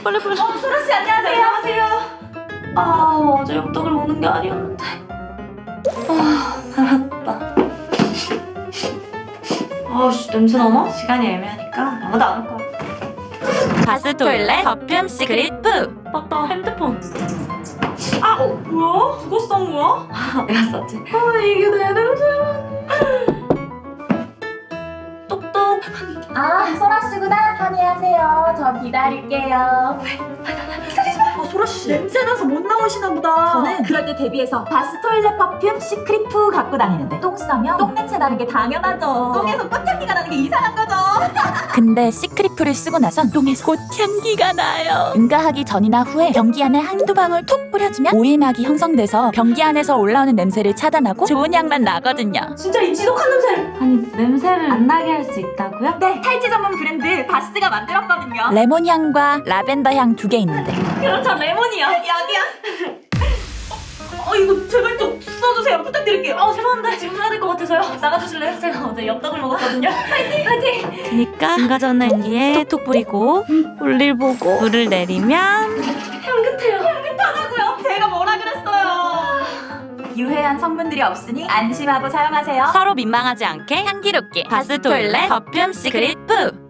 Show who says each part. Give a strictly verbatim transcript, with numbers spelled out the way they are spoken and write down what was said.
Speaker 1: 빨리 빨리.
Speaker 2: 어, 소라씨 안녕하세요.
Speaker 1: 안녕하세요. 아, 어제 엽떡을 먹는 게 아니었는데. 아, 살았다. 아씨, 냄새 나나? 시간이 애매하니까 아무도 안 올 거야.
Speaker 3: 바스 토일렛 퍼퓸 시크릿 푸.
Speaker 1: 맞다, 핸드폰. 아, 어, 뭐야? 누가 싼 거야? 내가 쌌지. 아, 이게 내 냄새야. 똑똑.
Speaker 2: 아, 소라씨구나. 안녕하세요. 저 기다릴게요.
Speaker 1: 아, 소라씨. 냄새나서 못 나오시나 보다.
Speaker 2: 저는 그럴 때 대비해서 바스 토일렛 퍼퓸 시크릿 푸 갖고 다니는데 똥 싸면 똥 냄새 나는 게 당연하죠. 똥에서 꽃향기가 나는 게 이상한 거죠.
Speaker 3: 근데 시크릿 푸를 쓰고 나선 똥에서 꽃향기가 나요. 응가하기 전이나 후에 변기 안에 한두 방울 톡 뿌려주면 오일막이 형성돼서 변기 안에서 올라오는 냄새를 차단하고 좋은 향만 나거든요.
Speaker 1: 진짜 이 지독한 냄새를. 아니, 냄새를 안 나게 할 수 있다고요?
Speaker 2: 네, 탈취 전문 브랜드 바스가 만들었거든요.
Speaker 3: 레몬 향과 라벤더 향 두 개 있는데
Speaker 1: 그렇죠, 레몬이야.
Speaker 2: 여기요.
Speaker 1: 어, 이거 제발 좀 써주세요. 부탁드릴게요. 아, 죄송한데 지금 사야 될 것 같아서요. 나가주실래요? 제가 어제 엽떡을 먹었거든요. 파이팅! 파이팅!
Speaker 3: 그니까 응가전 냄기에 톡 뿌리고 볼일 보고 물을 내리면
Speaker 1: 향긋해요. 향긋하다고요?
Speaker 2: 제가 뭐라 그랬어요? 유해한 성분들이 없으니 안심하고 사용하세요.
Speaker 3: 서로 민망하지 않게 향기롭게 바스 토일렛 퍼퓸 시크릿 푸.